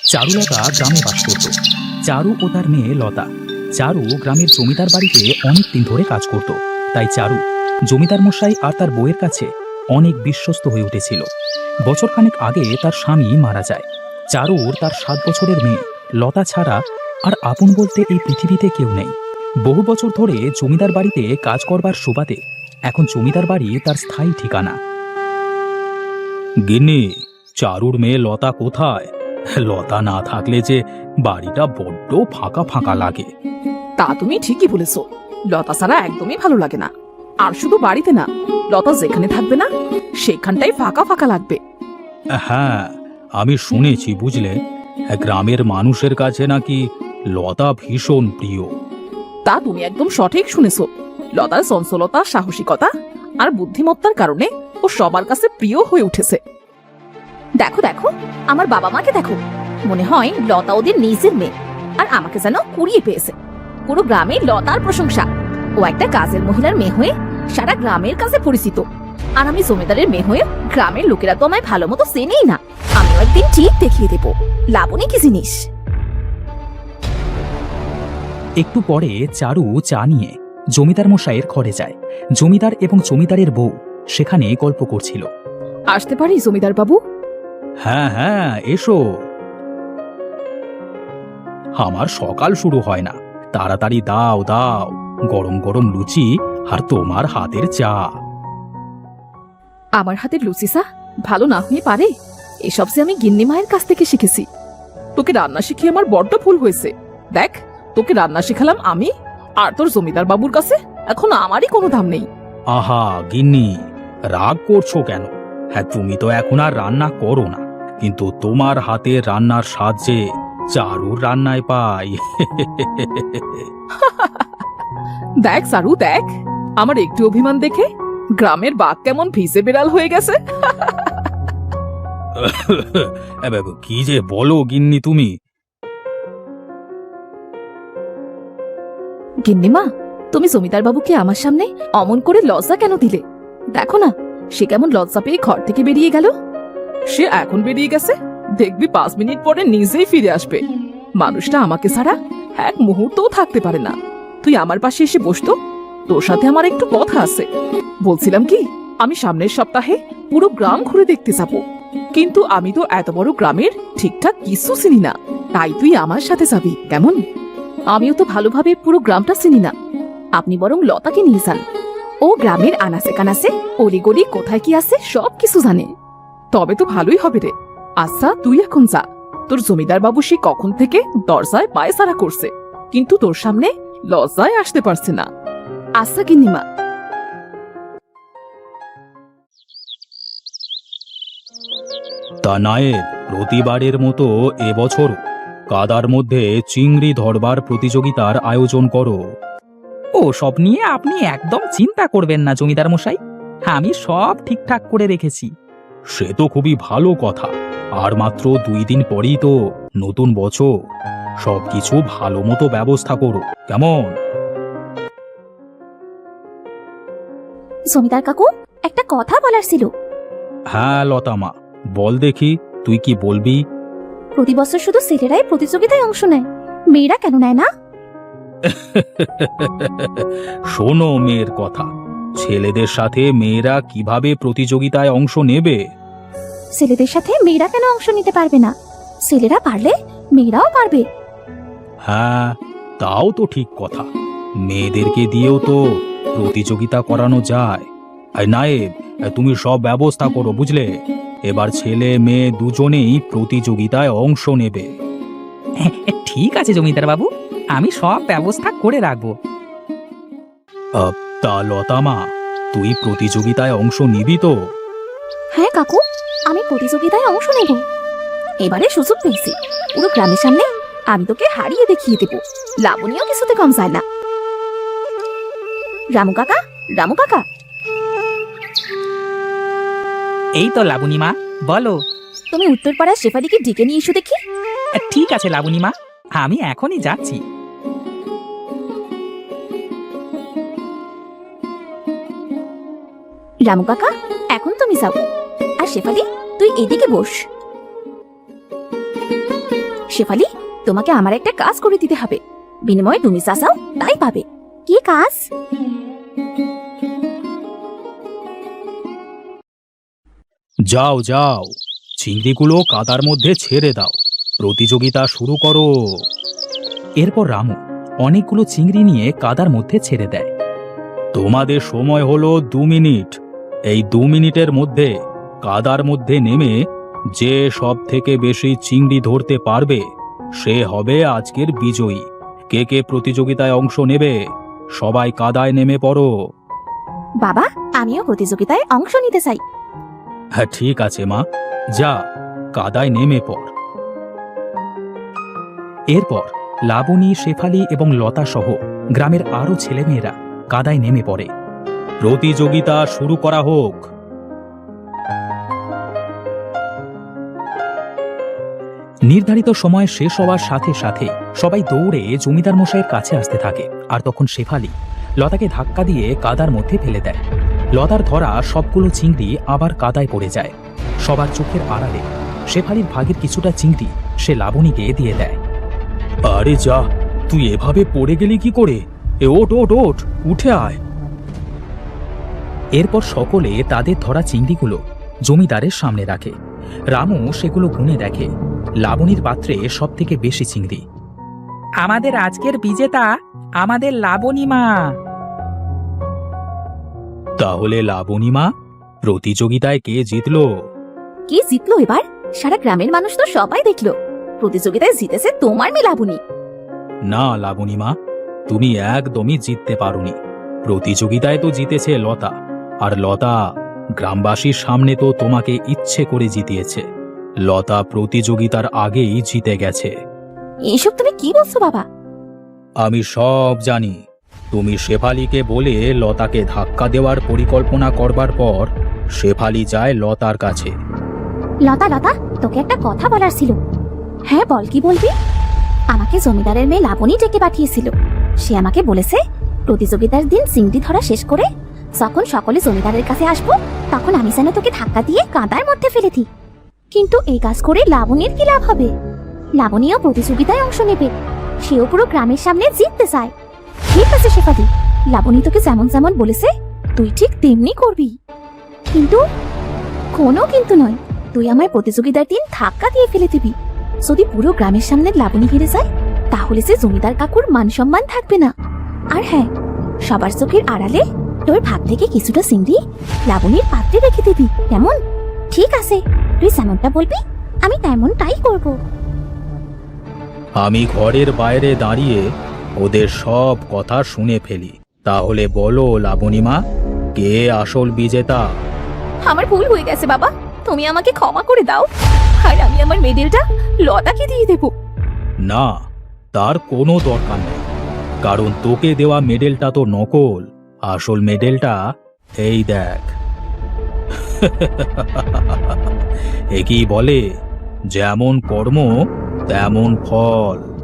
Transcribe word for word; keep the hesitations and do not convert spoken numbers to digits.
চারুলতা গ্রামে বাস করত। চারু ও তার মেয়ে লতা। চারু গ্রামের জমিদার বাড়িতে অনেক দিন ধরে কাজ করত, তাই চারু জমিদার মশাই আর তার বউয়ের কাছে অনেক বিশ্বস্ত হয়ে উঠেছিল। বছরখানেক আগে তার স্বামী মারা যায়। চারুর তার সাত বছরের মেয়ে লতা ছাড়া আর আপন বলতে এই পৃথিবীতে কেউ নেই। বহু বছর ধরে জমিদার বাড়িতে কাজ করবার সুবাদে এখন জমিদার বাড়ি তার স্থায়ী ঠিকানা। গিন্নি, চারুর মেয়ে লতা কোথায়? লতা না থাকলে যে বাড়িটা বড্ড ফাঁকা ফাঁকা লাগে। তা তুমি ঠিকই বলেছো, লতা ছাড়া একদমই ভালো লাগে না। আর শুধু বাড়িতে না, লতা যেখানে থাকবে না সেখানটাই ফাঁকা ফাঁকা লাগবে। হ্যাঁ, আমি শুনেছি বুঝলে, গ্রামের মানুষের কাছে নাকি লতা ভীষণ প্রিয়। তা তুমি একদম সঠিক শুনেছো। লতার চঞ্চলতা, সাহসিকতা আর বুদ্ধিমত্তার কারণে ও সবার কাছে প্রিয় হয়ে উঠেছে। দেখো দেখো, আমার বাবা মাকে দেখো, মনে হয় লতা ওদের নিজের মেয়ে, আর আমাকে যেন কুড়িয়ে পেয়েছে। পুরো গ্রামে লতার প্রশংসা। ও একটা কাজের মহিলার মেয়ে হয়ে সারা গ্রামের কাছে পরিচিত, আর আমি জমিদারের মেয়ে হয়ে গ্রামের লোকেরা তো আমায় ভালো মতো চেনেই না। আমিও একদিন ঠিক দেখিয়ে দেব লাবণী কি জিনিস। একটু পরে চারু চা নিয়ে জমিদার মশাইয়ের ঘরে যায়। জমিদার এবং জমিদারের বউ সেখানে গল্প করছিল। আসতে পারি জমিদার বাবু? হ্যাঁ হ্যাঁ, এসো। আমার সকাল শুরু হয় না, তাড়াতাড়ি দাও দাও গরম গরম লুচি আর তোমার হাতের চা। আমার হাতের লুচি চা ভালো না হয়ে পারে? এসব যে আমি গিন্নি মায়ের কাছ থেকে শিখেছি। তোকে রান্না শিখিয়ে আমার বড্ড ভুল হয়েছে। দেখ, তোকে রান্না শিখালাম আমি, আর তোর জমিদার বাবুর কাছে এখন আমারই কোনো দাম নেই। আহা গিন্নি, রাগ করছো কেন? হ্যাঁ, তুমি তো এখন আর রান্না করো না, কিন্তু তোমার হাতে রান্নার স্বাদ যে চারুর রান্নায় পাই। দেখ সারু, দেখ আমার একটু অভিমান দেখে গ্রামের বাঘ কেমন ভিজে বেড়াল হয়ে গেছে। কি যে বলো গিন্নি তুমি। গিন্নিমা, তুমি জমিদার বাবুকে আমার সামনে অমন করে লজ্জা কেন দিলে? দেখো না, সে কেমন লজ্জা পেয়ে ঘর থেকে বেরিয়ে গেল। সে এখন বেরিয়ে গেছে, দেখবি পাঁচ মিনিট পরে নিজেই ফিরে আসবে। মানুষটা আমাকে ছাড়া এক মুহূর্তও থাকতে পারে না। তুই আমার পাশে এসে বসতো, তোর সাথে আমার একটু কথা আছে। বলছিলাম কি, আমি সামনের সপ্তাহে পুরো গ্রাম ঘুরে দেখতে যাব, কিন্তু আমি তো এত বড় গ্রামের ঠিকঠাক কিছু চিনি না। তাই তুই আমার সাথে যাবি কেমন? আমিও তো ভালোভাবে পুরো গ্রামটা চিনি না। আপনি বরং লতাকে নিয়ে যান। ও গ্রামের আনাচে কানাচে অলিগলি কোথায় কি আছে সব কিছু জানে। তবে তো ভালোই হবে রে। আচ্ছা, তুই এখন যা। তোর জমিদার বাবু সে কখন থেকে দরজায় পায়ে সারা করছে, কিন্তু তোর সামনে লজ্জায় আসতে পারছে না। আচ্ছা গিন্নিমা। তা নায়েব, প্রতিবারের মতো এবছর কাদার মধ্যে চিংড়ি ধরবার প্রতিযোগিতার আয়োজন করো। ও সব নিয়ে আপনি একদম চিন্তা করবেন না জমিদার মশাই, আমি সব ঠিকঠাক করে রেখেছি। সে তো খুবই ভালো কথা। আর মাত্র দুই দিন পরেই তো নতুন বছর। সবকিছু ভালো মতো ব্যবস্থা করো কেমন? জমিদার কাকু, একটা কথা বলার ছিল। হ্যাঁ লতামা, বল দেখি, তুই কি বলবি? প্রতি বছর শুধু ছেলেরাই প্রতিযোগিতায় অংশ নেয়, মেয়েরা কেন নেয় না? শোনো মেয়ের কথা, ছেলেদের সাথে মেয়েরা কিভাবে প্রতিযোগিতায় অংশ নেবে? ছেলেদের সাথে মেয়েরা কেন অংশ নিতে পারবে না? ছেলেরা পারলে মেয়েরাও পারবে। হ্যাঁ, তাও তো ঠিক কথা। মেয়েদেরকে দিয়েও তো প্রতিযোগিতা করানো যায়। আর নায়েব, তুমি সব ব্যবস্থা করো বুঝলে। এবার ছেলে মেয়ে দুজনেই প্রতিযোগিতায় অংশ নেবে। ঠিক আছে জমিদার বাবু, আমি সব ব্যবস্থা করে রাখবো। তা লতামা, তুই প্রতিযোগিতায় অংশ নিবি তো? হ্যাঁ কাকু, আমি প্রতিযোগিতায় অংশ নেব। এবারে সুযোগ পেয়েছি, পুরো গ্রামের সামনে আমি তোকে হারিয়ে দেখিয়ে দেব। লাবণীও কিছুতে কম যায় না। রামু কাকা, রামু কাকা। এই তো লাবণী মা, বলো। তুমি উত্তরপাড়ার শেফালিকে ডেকে নিয়ে এসো দেখি। ঠিক আছে লাবণী মা, আমি এখনই যাচ্ছি। রামু কাকা, এখন তুমি যাও, আর শেফালি তুই এদিকে বস। শেফালি, তোমাকে আমার একটা কাজ করে দিতে হবে, বিনিময়ে তুমি যা চাও তাই পাবে। কি কাজ? যাও যাও, চিংড়িগুলো কাদার মধ্যে ছেড়ে দাও, প্রতিযোগিতা শুরু করো। এরপর রামু অনেকগুলো চিংড়ি নিয়ে কাদার মধ্যে ছেড়ে দেয়। তোমাদের সময় হলো দু মিনিট। এই দু মিনিটের মধ্যে কাদার মধ্যে নেমে যে সব থেকে বেশি চিংড়ি ধরতে পারবে সে হবে আজকের বিজয়ী। কে কে প্রতিযোগিতায় অংশ নেবে? সবাই কাদায় নেমে পড়ো। বাবা, আমিও প্রতিযোগিতায় অংশ নিতে চাই। হ্যাঁ ঠিক আছে মা, যা কাদায় নেমে পড়। এরপর লাবণী, শেফালি এবং লতা সহ গ্রামের আরো ছেলেমেয়েরা কাদায় নেমে পড়ে। প্রতিযোগিতা শুরু করা হোক। নির্ধারিত সময় শেষ হওয়ার সাথে সাথে সবাই দৌড়ে জমিদার মশাইয়ের কাছে আসতে থাকে। আর তখন শেফালি লতাকে ধাক্কা দিয়ে কাদার মধ্যে ফেলে দেয়। লতার ধরা সবগুলো চিংড়ি আবার কাদায় পড়ে যায়। সবার চোখের আড়ালে শেফালির ভাগের কিছুটা চিংড়ি সে লাবণীকে দিয়ে দেয়। আরে যা, তুই এভাবে পড়ে গেলি কি করে? এ ওঠ ওঠ ওঠ, উঠে আয়। এরপর সকলে তাদের ধরা চিংড়িগুলো জমিদারের সামনে রাখে। রামু সেগুলো গুনে দেখে লাবণীর পাত্রে সব থেকে বেশি চিংড়ি। আমাদের আজকের বিজেতা আমাদের লাবণী মা। তাহলে লাবণী মা, প্রতিযোগিতায় কে জিতলো? কি জিতলো এবার? সারা গ্রামের মানুষ তো সবাই দেখলো প্রতিযোগিতায় জিতেছে তোমার মেয়ে লাবণী। না লাবণী মা, তুমি একদমই জিততে পারোনি। প্রতিযোগিতায় তো জিতেছে লতা, আর লতা গ্রামবাসীর সামনে তো তোমাকে ইচ্ছে করে জিতিয়েছে। লতা প্রতিযোগিতার আগেই জিতে গেছে। এইসব তুমি কি বলছো বাবা? আমি সব জানি। তুমি শেফালিকে বলে লতাকে ধাক্কা দেওয়ার পরিকল্পনা করবার পর শেফালি যায় লতার কাছে। লতা লতা, তোকে একটা কথা বলার ছিল। হ্যাঁ বল, কি বলবি? আমাকে জমিদারের মেয়ে লাবণী ডেকে পাঠিয়েছিল। সে আমাকে বলেছে প্রতিযোগিতার দিন চিংড়ি ধরা শেষ করে যখন সকলে জমিদারের কাছে আসবো তখন আমি যেন তোকে ধাক্কা দিয়ে কাদার মধ্যে ফেলে দিই। কিন্তু এই কাজ করে লাবণীর কি লাভ হবে? লাবণীও প্রতিযোগিতায় অংশ নেবে, সেও পুরো গ্রামের সামনে জিততে চায়। ঠিক আছে শেফালি, লাবণী তোকে যেমন যেমন বলেছে তুই ঠিক তেমনি করবি। কিন্তু কোনো কিন্তু নয়, তুই আমার প্রতিযোগিতার দিন ধাক্কা দিয়ে ফেলে দিবি। যদি পুরো গ্রামের সামনে লাবণী হেরে যায় তাহলে সে জমিদার কাকুর মান সম্মান থাকবে না। আর হ্যাঁ, সবার চোখের আড়ালে তোর ভাগ থেকে কিছুটা চিংড়ি লাবণীর পাত্রে রেখে দিবি, কেমন? ঠিক আছে, তুই যেমনটা বলবি আমি তেমনটাই করব। আমি ঘরের বাইরে দাঁড়িয়ে ওদের সব কথা শুনে ফেলি। তাহলে বলো লাবণী মা, কে আসল বিজেতা? আমার ভুল হয়ে গেছে বাবা, তুমি আমাকে ক্ষমা করে দাও। আর আমি আমার মেডেলটা লতাকে দিয়ে দেব। না, তার কোনো দরকার নেই, কারণ তোকে দেওয়া মেডেলটা তো নকল। আসল মেডেলটা এই দেখ। একেই বলে যেমন কর্ম তেমন ফল।